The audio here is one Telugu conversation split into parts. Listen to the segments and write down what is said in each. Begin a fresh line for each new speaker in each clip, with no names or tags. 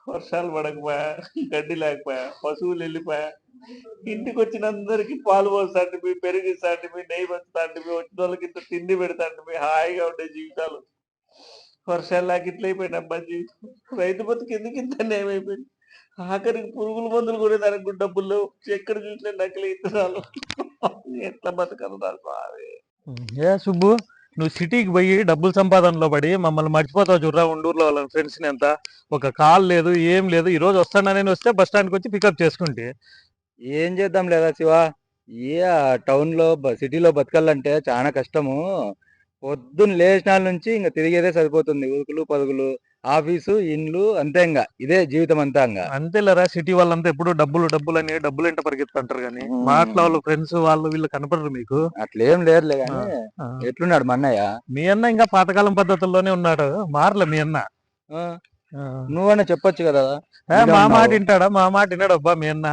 వర్షాలు పడకపోయా, గడ్డి లేకపోయా, పశువులు వెళ్ళిపోయా. ఇంటికొచ్చినందరికి పాలు పోస్తాంటిమి, పెరుగిస్తాంటిమి, నెయ్యి పంచుతాంటిమి, వచ్చినోళ్ళకి ఇంత తిండి పెడతాంటిమి. హాయిగా ఉండే జీవితాలు. వర్షాలు లేక ఇట్లయిపోయినబ్బా జీవితం. రైతు బతుకు ఎందుకు ఇంత అన్యాయమైపోయింది. ఆఖరికి పురుగుల మందులు కొనేదానికి కూడా డబ్బులు లేవు. ఎక్కడ చూసినా నకిలీ ఇత్తనాలు. ఎట్లా బతకాలిరా స్వామి.
ఏ సుబ్బు, నువ్వు సిటీకి పోయి డబ్బులు సంపాదనలో పడి మమ్మల్ని మర్చిపోతావు చూడరా ఉండూరులో వాళ్ళ ఫ్రెండ్స్ని ఎంత. ఒక కాల్ లేదు, ఏం లేదు. ఈ రోజు వస్తానని వస్తే బస్ స్టాండ్కి వచ్చి పికప్ చేసుకుంటే
ఏం చేద్దాం లేదా శివ? ఏ టౌన్లో సిటీలో బతకాలంటే చాలా కష్టము. పొద్దున్న లేచినాల నుంచి ఇంకా తిరిగేదే సరిపోతుంది. ఉరుకులు పరుగులు, ఆఫీసు, ఇండ్లు, అంతే. ఇంకా ఇదే జీవితం అంతా. ఇంకా
అంతేలేరా, సిటీ వాళ్ళంతా ఎప్పుడు డబ్బులు డబ్బులు అని డబ్బులు ఎంట పరిగెత్తుంటారు కానీ మాటల వాళ్ళు ఫ్రెండ్స్ వాళ్ళు వీళ్ళు కనపడరు మీకు.
అట్లేం లేదులే కానీ ఎట్లున్నాడు మా అన్నయ్య?
మీ అన్న ఇంకా పాతకాలం పద్ధతుల్లోనే ఉన్నాడు, మారలే మీ అన్న.
నువ్వన్నా చెప్పొచ్చు కదా.
మా మాట వింటాడా? మా మాట విన్నాడు అబ్బా మీ అన్న.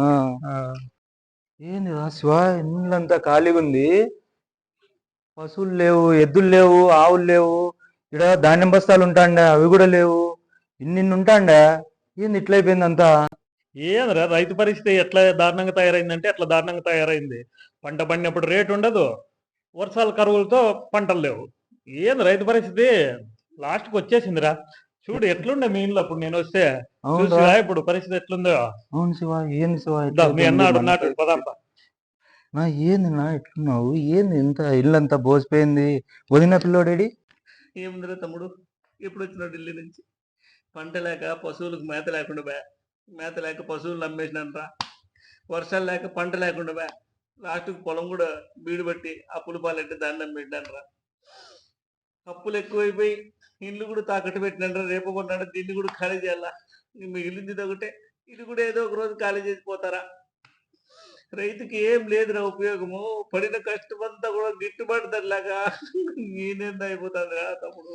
ఏంది శివ, ఇల్లంతా ఖాళీగా ఉంది. పశువులు లేవు, ఎద్దులు లేవు, ఆవులు లేవు. ఇక్కడ ధాన్యం బస్తాలు ఉంటాండా, అవి కూడా లేవు. ఇన్ని ఉంటాండా. ఏంది ఇట్లయిపోయింది అంతా?
ఏంద్రా రైతు పరిస్థితి ఎట్లా దారుణంగా తయారైందంటే అట్లా దారుణంగా తయారైంది. పంట పండినప్పుడు రేటు ఉండదు, వర్షాల కరువులతో పంటలు లేవు. ఏంది రైతు పరిస్థితి లాస్ట్కి వచ్చేసిందిరా. చూడు ఎట్లుండే మీ ఇంట్లో అప్పుడు నేను వస్తే. చూసిరా ఇప్పుడు పరిస్థితి ఎట్లుందో.
అవును శివ, ఏంది శివ
మీ అన్నాడు నాటు పదాంప.
ఏంది నా ఎట్లున్నావు? ఏంది ఇంత ఇల్లంతా బోసిపోయింది? వదిన పిల్లోడేడి?
ఏముందిరా తమ్ముడు, ఎప్పుడు వచ్చినావు ఢిల్లీ నుంచి? పంట లేక పశువులకు మేత లేకుండా బా, మేత లేక పశువులు అమ్మేసినంట్రా. వర్షాలు లేక పంట లేకుండా బా, లాస్ట్కి పొలం కూడా బీడు పట్టి అప్పులు పాలంటే దాన్ని అమ్మేసినంట్రా. అప్పులు ఎక్కువైపోయి ఇల్లు కూడా తాకట్టు పెట్టినంటారా. రేపు కొన్నాడు దీన్ని కూడా ఖాళీ చేయాలా. మిగిలింది ఒకటే, ఇది కూడా ఏదో ఒక రోజు ఖాళీ చేసిపోతారా. రైతుకి ఏం లేదురా ఉపయోగము. పడిన కష్టమంతా కూడా గిట్టుబాటు ధరలాగా నేనేంద అయిపోతాదిరా తమ్ముడు.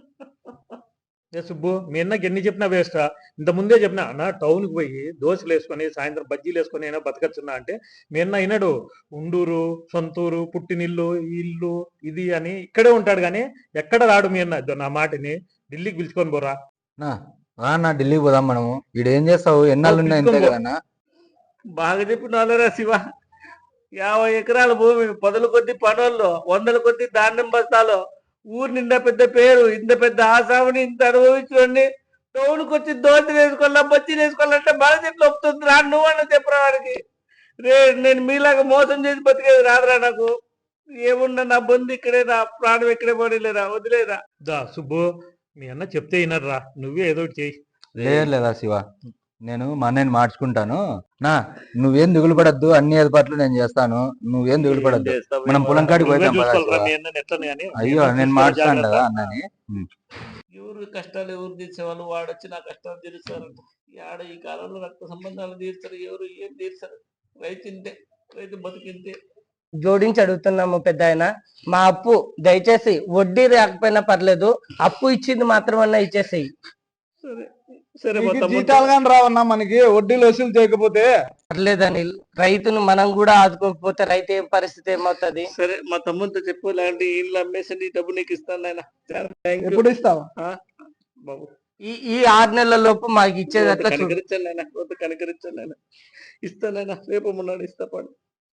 ఏ సుబ్బు, మీ అన్నకి ఎన్ని చెప్పినా వేస్టా. ఇంత ముందే చెప్పినా అన్న టౌన్కి పోయి దోశలు వేసుకొని సాయంత్రం బజ్జీలు వేసుకొని అయినా బతకచ్చున్నా అంటే మీ అన్న అయినాడు. ఉండూరు సొంతూరు పుట్టినిల్లు ఇల్లు ఇది అని ఇక్కడే ఉంటాడు కానీ ఎక్కడ రాడు మీ అన్న. నా మాటని ఢిల్లీకి పిలుచుకొని పోరా.
నా ఢిల్లీకి పోదాం మనము. ఈడేం చేస్తావు? ఎన్నాళ్ళు ఉన్నాయి ఇంతే కదన్నా.
బాగా చెప్పినారా శివ. 50 ఎకరాల భూమి, 10 కొద్ది పనుల్లో, 100 కొద్ది ధాన్యం బస్తాలు, ఊరు నిండా పెద్ద పేరు, ఇంత పెద్ద ఆసాముని ఇంత అనుభవించుకోండి. టౌన్కి వచ్చి దోశలు వేసుకోవాలా, బజ్జీలు వేసుకోవాలంటే బాగా చెప్పి ఒప్పుతుంది రా. నువ్వన్నా చెప్పరా వాడికి. రే నేను మీలాగా మోసం చేసి బతికేది రాదురా నాకు. ఏమున్నా నా బంధు ఇక్కడే, నా ప్రాణం ఇక్కడే పడిలేరా, వదిలేరా.
దా సుబ్బు, మీ అన్న చెప్తే వినర్రా, నువ్వే ఏదో ఒకటి చెయ్యి.
లేదా శివ, నేను మా అన్నయ్యని మార్చుకుంటాను. నువ్వేం దిగులు పడద్దు, అన్ని ఏర్పాట్లు నేను చేస్తాను. నువ్వేం దిగులు పడద్దు. మనం పొలం కాడికి పోతాం. అయ్యో నేను మార్చుతాను కదా అన్నని.
ఎవరు కష్టాలు ఎవరు తీర్చేవాళ్ళు, వాడొచ్చి నా కష్టాలు తీరుస్తారంట. ఆడ ఈ కాలంలో రక్త సంబంధాలు తీర్చరు, ఎవరు ఏం తీర్చరు. రైతు ఇంతే, రైతు బతికింతే.
జోడించి అడుగుతున్నాము పెద్ద ఆయన, మా అప్పు దయచేసి వడ్డీ రాకపోయినా పర్లేదు, అప్పు ఇచ్చింది మాత్రమన్నా ఇచ్చేసేయి.
సరే సరే,
జీతాలు కానీ రావన్నా మనకి, వడ్డీలు వసూలు చేయకపోతే
పర్లేదని. రైతును మనం కూడా ఆదుకోకపోతే రైతు ఏం పరిస్థితి ఏమవుతుంది?
సరే మా తమ్ముతో చెప్పు, లాంటి ఇల్లు అమ్మేసి డబ్బు నీకు ఇస్తాను ఆయన.
ఎప్పుడు ఇస్తావా
బాబు?
ఈ 6 నెలల లోపు మాకు ఇచ్చేది అట్లా
కనికరించాను ఆయన, కనికరించాను ఆయన. ఇస్తానైనా, రేపు మొన్నాడు ఇస్తా పాడు.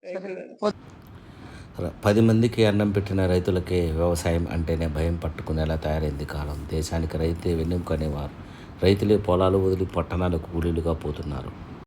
10 మందికి అన్నం పెట్టిన రైతులకే వ్యవసాయం అంటేనే భయం పట్టుకునేలా తయారైంది కాలం. దేశానికి రైతే వెన్నెముక అనేవారు. రైతులే పొలాలు వదిలి పట్టణాలకు కూలీలుగా పోతున్నారు.